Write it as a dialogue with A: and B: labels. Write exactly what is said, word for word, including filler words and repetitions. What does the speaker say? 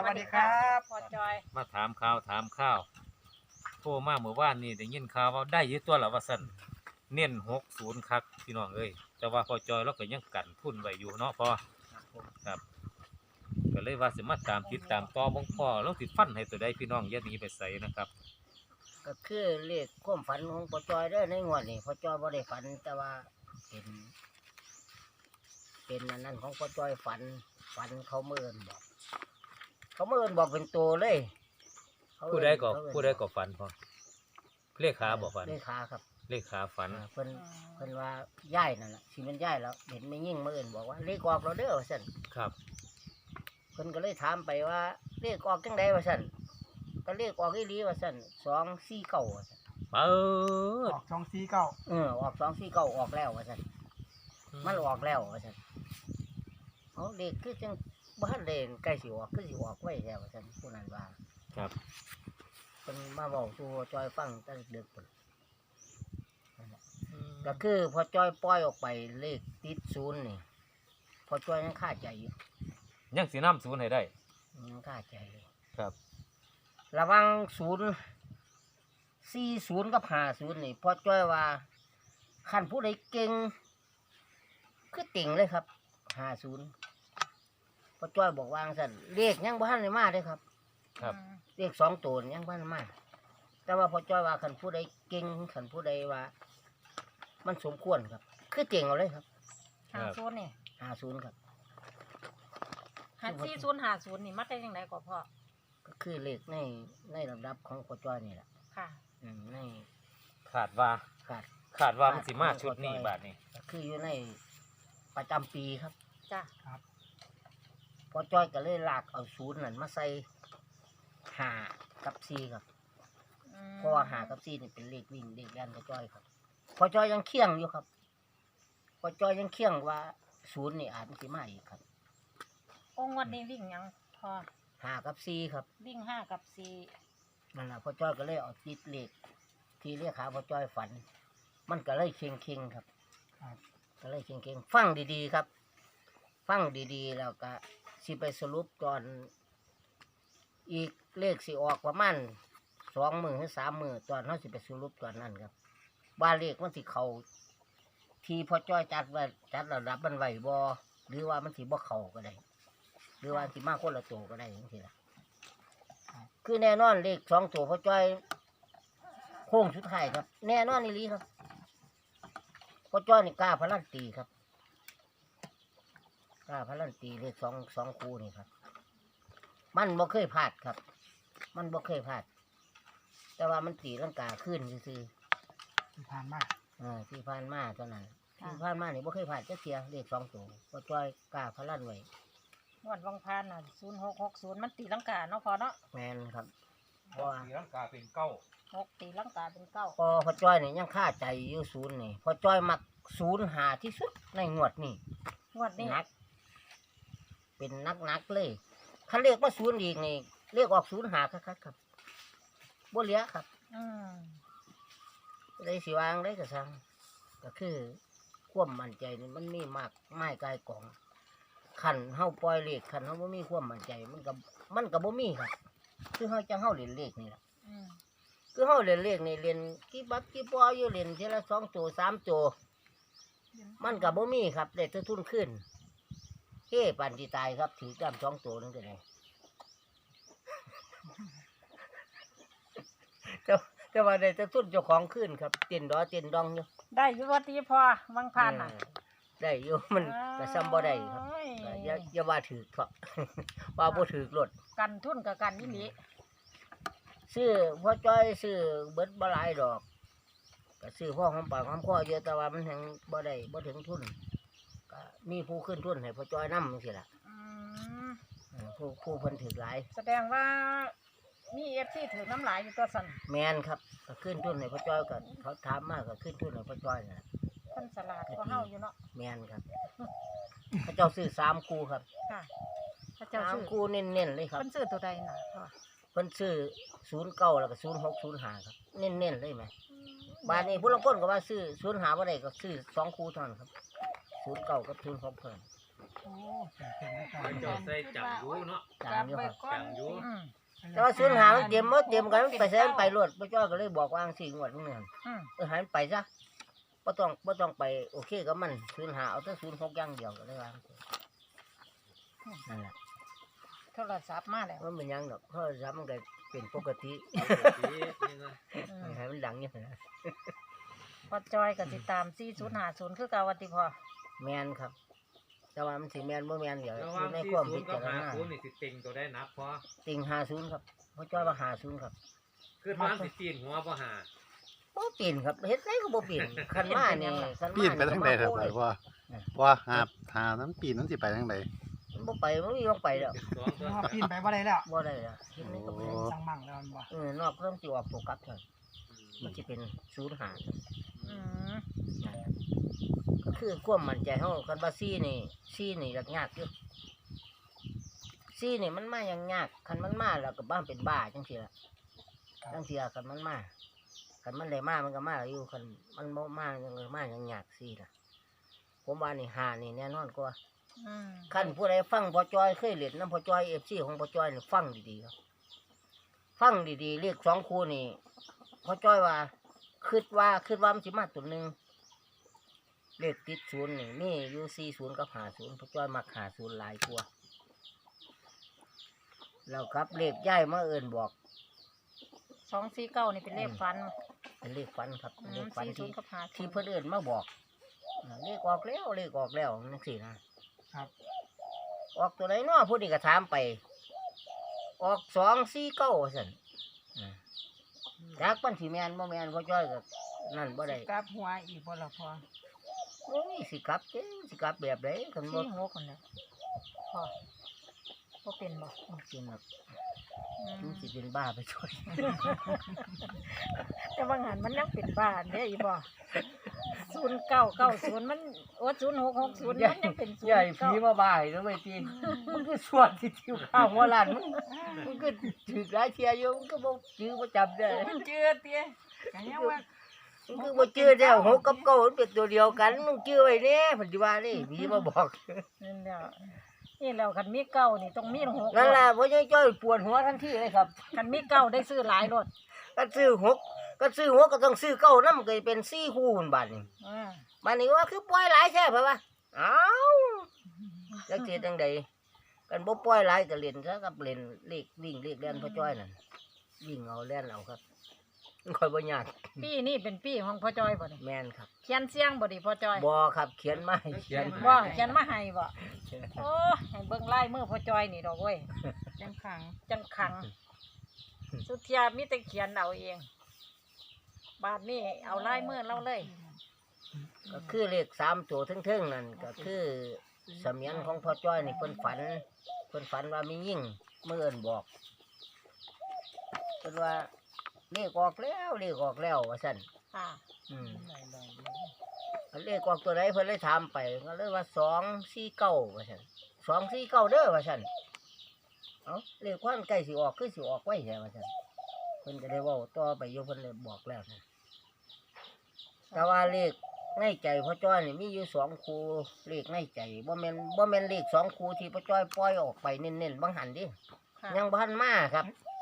A: วัสดีครับ
B: พอจอย
C: มาถามข่าวถามข้าวโทรมาเมื่อวานนี่ได้ยินข่าวว่าได้อยึดตัวละว่าซั่นเน้นหกศูนย์คักพี่น้องเอ้ยแต่ว่าพอจอยเราก็ยังกันทุนไว้อยู่เนาะพอครับก็เลยว่าสิมาตามติดตามต่อบ่งพ่อเราสิฟันให้ตัวใดพี่น้องอย่าหนีไปไสนะครับ
A: ก็คือเลขความฝันของพ่อจอยได้อในงวดนี้พ่อจอยบ่ได้ฝันแต่ว่าเป็นเป็นอันนั้นของพ่อจอยฝันฝันเขาเมื่อนบอกเขาเมื่อนบอกเป็นตัวเลยเขาเอิ้น
C: ผู้ใดก็
A: เขาเอิ้น
C: ผู้ใดก็ฝันพอเลขขาบ่ฝัน
A: เลขขาครับ
C: เลขขาฝัน
A: อ่าเพิ่นเพิ่นว่าย่ายนั่นแหละที่มันย่ายแล้วเห็นไม่ยิ่งมื่อนบอกว่าเลขออกเราเด้อว่าซั่น
C: ครับ
A: เพิ่นก็เลยถามไปว่าเลขออกจังไดว่าซั่นก็เลขออกอีหลีว่าซั่นสองสี่เก้าว่าซั่น
C: เปิด
D: ออกสองสี่เก้า
A: เออออกสองสี่เก้าออกแล้วว่าซั่นมันออกแล้วว่าซั่นเอาเลขคือจังบ้านเลนใกล้สิออกคือสิออกไว้แล้วว่าซั่นผู้นั้นว่า
C: ครับ
A: เพิ่นมาบอกสู่จอยฟังตั้งดึกพุ่นนั่นแหละก็คือพอจอยปล่อยออกไปเลขติดศูนย์นี่พอจอยยังคาใจอยู่
C: ยังสินํศูนย์ให้ได้
A: ยังคาใจเลย
C: ครับ
A: ระวังศูนย์สี่ศูนย์กับห้าศูนย์นี่พอจ้อยว่าขันผู้ใดเก่งคือติ่งเลยครับห้าศูนย์พอจ้อยบอกวางสั่นเลขยังบ้านเลยมาเลยครับ
C: ครับ
A: เลขสองตัวนี่ยังบ้านมาแต่ว่าพอจ้อยว่าขันผู้ใดเก่งขันผู้ใดว่า มันสมควรครับ คือเก่งเอาเลยครับ
B: หาศูนย์นี่
A: ห้าศูนย์ครับ
B: หาสี่ศูนย์หาศูนย์นี่มัดได้ยังไงก็พ่อ
A: ก็คือเลขในในลำดับของพอจ้อยนี่แหละ
B: ค่ะ
A: อืมใน
C: ขาดว่า
A: ขาด
C: ขาดว่ามันสิมาชุดนี้บาดนี้
A: ก็คืออยู่ในประจำปีครับ
B: จ้ะ
A: พอจ้อยก็เลยลากเอาศูนย์นั่นมาใส่หากับซีครับ
B: อืม
A: เพราะว่าหากับซีนี่เป็นเลขวิ่งเลขแล่นพอจ้อยครับพอจ้อยยังเคี่ยงอยู่ครับพอจ้อยยังเคี่ยงว่าศูนย์นี่อาจมันสิมาอีกครับ
B: องค์วันนี้วิ่งยังพอ
A: หากับซีครับ
B: วิ่งห้ากับสี่
A: นั่นแหละพอจ้อยก็เลยเอาติดเลขที่เรียกขาพอจ้อยฝัน มันก็เลยเคียงเคียงๆครับก็เลยเคียงเคียงๆฟังดีๆครับ ฟังดีๆแล้วก็สิไปสรุปตอนอีกเลขสิออกประมาณสองมือหรือสามมือตอนเขาสิไปสรุปตอนนั้นครับว่าเลขมันสิเขาที่พอจ้อยจัดไว้จัดระดับมันไหวบอหรือว่ามันสิบ่เขาก็ได้ หรือว่าสิมาคนละตัวก็ได้อย่างนี้ละคือแน่นอนเลขสองตัวพอจ้อยโค้งสุดท้ายครับ แน่นอนนี่ลีครับพอจ้อยนี่กล้าพลันตีครับกล้าพลันตีเลขสองสองคู่นี่ครับ มันบ่เคยพลาดครับ มันบ่เคยพลาด แต่ว่ามันตีลังกาขึ้นซื่อ
D: ที่ผ่านมา
A: ๆอ่าที่ผ่านมาเท่านั้นที่ผ่านมานี่บ่เคยพลาดจะเสียเลขสองตัวพอจ้อยกล้าพลันไว้
B: งวันวังพานน่ะศูนย์หกหกศูนย์มันตีลังกาเนาะพอเนาะ
A: แมนครับเพราะว่า
C: สีลังกาเป็นเก้า
B: หกตีลังกาเป็นเก้า
A: พอพอจ้อยนี่ยังค่าใจอยู่ศูนย์นี่พอจ้อยมักศูนย์หาที่สุดในงวดนี่
B: งวดนี้
A: นัก เป็นนักนักๆเลยถ้าเรียกว่าศูนย์อีกนี่เรียกออกศูนย์หาครับครับบ่เหลียครับ
B: อืม
A: เลยสิวางได้ก็สั่งก็คือความมั่นใจนี่มันมีมากไม่กายกองขันเฮาปล่อยเลขขันเฮาบ่มีความมั่นใจมันก็มันก็บ่มีครับ คือเฮาจังเฮาเล่นเลขนี่แหละ
B: อืม
A: คือเฮาเล่นเลขนี่เล่นกี่บักกี่ปออยู่เล่นทีละสองตัวสามตัวมันก็บ่มีครับได้แต่ทุนขึ้นเฮ้ปันที่ตายครับถือกำสองตัวนึงก็ได้ แต่แต่ว่าได้แต่ทุนเจ้าของขึ้นครับเต้นดอเต้นดองอยู่
B: ได้อยู่วันที่พอวังพานน่ะ
A: เออได้อยู่มันก็ซ้ำบ่ได้ครับ
B: โอ้ย
A: ก็อย่าอย่าว่าถือเถอะ ว่าบ่ถือรถ
B: กันทุนกับกันนี่หลี
A: ซื้อพ่อจ้อยซื้อเบิดบ่หลายดอกก็ซื้อพ่อของปากของคอเยอะแต่ว่ามันแฮงบ่ได้บ่ถึงทุนก็มีผู้ขึ้นทุนให้พ่อจ้อยนำจังซี่ล่ะ
B: อืม
A: เออผู้ผู้เพิ่นถือหลาย
B: แสดงว่ามีเอฟซีถือน้ำหลายอยู่ตัวสัน
A: แม่นครับก็ขึ้นทุนให้พ่อจ้อยก็เขาถามมาก็ขึ้นทุนให้พ่อจ้อยน่ะ
B: คนสลาดก็เฮาอยู่เนาะ
A: แม่นครับเขาเจ้าซื้อสามคู่ครับ
B: ค่ะพระเจ้า
A: สาม
B: ซื้อ
A: คู่เน้นๆเลยครับ
B: เพิ่นซื้อตัวใดน่ะพ่อ
A: เพิ่นซื้อศูนย์เก้าแล้วก็ศูนย์หกศูนย์ห้าครับเน้นๆเลยไหมบาทนี้ผู้ลางคนก็ว่าซื้อศูนย์ห้าบ่ได้ก็ซื้อสองคู่เท่านั้นครับศูนย์เก้ากับศูนย์หกเพิ่น
D: โอ้เต็มเต็มแล้วครั
C: พอบ จอยใส่จังอยู่เนาะ
A: จางอยู่ครับ
C: จังอยู่
B: อืม
A: แต่ว่าศูนย์หามันเตรียมบ่เตรียมกันมันไปใส่มันไปรวดพ่อจ้อยก็เลยบอกว่าจังซี่งวดนึงเนี่ย
B: อืม
A: เออใหายไปซะบ่ต้องบ่ต้องไปโอเคกับมันศูนย์หาเอาแต่ศูนย์หกอย่างเดียวก็เลยว่านั่นแหละ
B: โทรศัพท์มาแล้ว
A: มันเป็นหยังดอกเพราะซ้ำมันก็เป็นปกติ
B: อืม
A: ให้มันดังอยู่นะ
B: พอจอยก็สิตามสี่ศูนย์ห้าศูนย์คือเก่าวัติพอ
A: แมนครับ แต่ว่ามันสิแมนบ่แมนเดี๋ยว
C: ระห
A: อ
C: ว่าง
A: ยู่ใน
C: ที่
A: ความ
C: ศู
A: พิ
C: นย์กั
A: จา
C: บ
A: ร
C: หา
A: ณา
C: ศูนย์นี่สิติงตัวได้นับพอ
A: ติงห้าศูนย์ครับพ่อจ้อยว่าห้าศูนย์ครับ
C: คือน้ำสิตีนหัวบ่หา
A: บ่เปลี่ยนครับเฮ็ดไรก็บ่เปลี่ยนคันมานี่คันมา
E: ปีนไปทางใดเถอะ
A: ก็
E: ไป
A: มาโ
E: ว่าว่าหาหานั้นปีนนั้นสิไปทางใด
A: มันบ่ไปมันมีต้องไปแล้ว
C: เป็นสองตัว
D: ว่าปีนไปว่าได้แล้ว
A: บ่ได้แล้วเฮ็ดไรก็บ่ได้
D: สั่งมั่งแล้วมันบ่
A: เออนอกเพิ่มสิออกตัวกลับเถอะมันสิเป็นศูนย์หา
B: อืม
A: นั่นแหละก็คือความมั่นใจเฮาคันว่าซี่นี่ซี่นี่ยากยากอยู่ซี่นี่มันมาอย่างยากคันมันมาแล้วก็บ้านเป็นบ้าจังซี่ล่ะจังซี่คันมันมาคันมันได้มามันก็มาอยู่คันมันบ่มาจังเลยมาอย่างยากซี่ล่ะผมว่านี่หานี่แน่นอนกว่า
B: อืม
A: คันผู้ใดฟังพอจอยเคยเล่นน้ำพอจอย เอฟ ซี ของพอจอยนี่ฟังดีๆครับฟังดีๆเลขสองคู่นี่พอจอยว่าคิดว่าคิดว่ามันสิมาตัวหนึงเลขติดศูนย์นี่มีอยู่สี่ศูนย์กับห้าศูนย์พอจอยมักห้าศูนย์หลายกว่าแล้วครับเลขย่ายมาเอิ้นบอก
B: สองสี่เก้านี่เป็นเลขฟัน
A: เป็นเลขฝันครับ
B: อื
A: เล
B: ม
A: ขฝัน
B: สี่ศู
A: ที่
B: นย์กับห้าศู
A: ที่
B: นย์
A: เพื่อนเอิ้นมาบอกอ่าเลขออกแล้วเลขออกแล้วนั่นสินะครับ ออกตัวไหนเนาะผู้นี้ก็ถามไป ออกสองสี่เก้าสันอ่าจากปันสีแมนบ่แมนพ่อจ้อยก็นั่นบ่ได้
B: กลับหัวอีกบ่ละพอ
A: โอ้ยสิกลับเจ้สิกลับแบบไหนคันบ่
B: สี่หกคนแล้วพอบ่เป็นบ่
A: กินหรอก
B: อืม
A: มันสิเป็นบ้าไปช่วย
B: แต่บางหันมันยังเป็นบ้านเด้อีบ่ศูนย์เก้าเก้าศูนย์มันโอ้ศูนย์หกหกศูนย์มันยังเป็นศูน
A: ใหญ่
B: ย์
A: ผี
B: เก้า
A: มาบ้าให้แล้วไม่ตีมันคือส่วนที่ทิวข้าวหัวล้านมันมันก็ถือหลายเที่ยอยู่มันก็บ่จื้อบ่จำได้
B: มันเจือเตี้ย
D: กันยังว่า
A: มันคือบ่จื้อแล้วหกกับเก้ามันเป็นตัวเดียวกันมึงจื้อไว้แน่ปัจจุบันนี่ผีมาบอก
B: นั่นแหละนี่แล้วคันมีเก้านี่ต้องมีหก
A: นั่นล่ะพ่อจ้อยปวดหัวทันทีเลยครับ
B: คันมีเก้าได้ซื้อหลายรถ
A: ก็ซื้อหกก็ซื้อหกก็ต้องซื้อเก้านำก็เป็นสี่คู่พุ่นบาดนี้
B: อ่า
A: บาดนี้ว่าคือปล่อยหลายแท้เพิ่นว่าเอ้าจักสิจังไดกันบ่ปล่อยหลายก็เล่นซะกับเล่นเลขวิ่งเลขเล่นพ่อจ้อยนั่นวิ่งเอาเล่นเอาครับมันค่อยบ่ยาก
B: ปีนี่เป็นปีของพ่อจอยบ่นี่
A: แม่นครับ
B: เขียนเสียงบ่ดิพ่อจอย
A: บ่ครับเขียนมาให้เขียน
B: บ่เขียนมาให้บ่โอ้ให้เบิ่งลายมือพ่อจอยนี่ดอกเว้ย
F: จังขัง
B: จังขัง สุดเทียมีแต่เขียนเอาเอง บาดนี้เอาลายมือเราเลย
A: ก็คือเลขสามตัวเทิงๆนั่นก็คือเสมียนของพ่อจ้อยนี่เพิ่นฝันเพิ่นฝันว่ามียิ่งเมื่อเอิ้นบอกเพิ่นว่าเลขออกแล้วเลขออกแล้วว่าซั่น
B: ค่ะ
A: อืมอันเลขออกตัวไหนเพิ่นเลยถามไปก็เลยว่าสองสี่เก้าว่าซั่นสองสี่เก้าเด้อว่าซั่นเอ้าเลขควันใกล้สิออกคือสิออกไว้แท้ว่าซั่นเพิ่นก็ได้เว้าต่อไปอยู่เพิ่นเลยบอกแล้วนะแต่ว่าเลขในใจพ่อจ้อยนี่มีอยู่สองคู่เลขในใจบ่แม่นบ่แม่นเลขสองคู่ที่พ่อจ้อยปล่อยออกไปเน้นๆบางหันดิ
B: ค่ะ
A: ยังบ่ทันมาครับ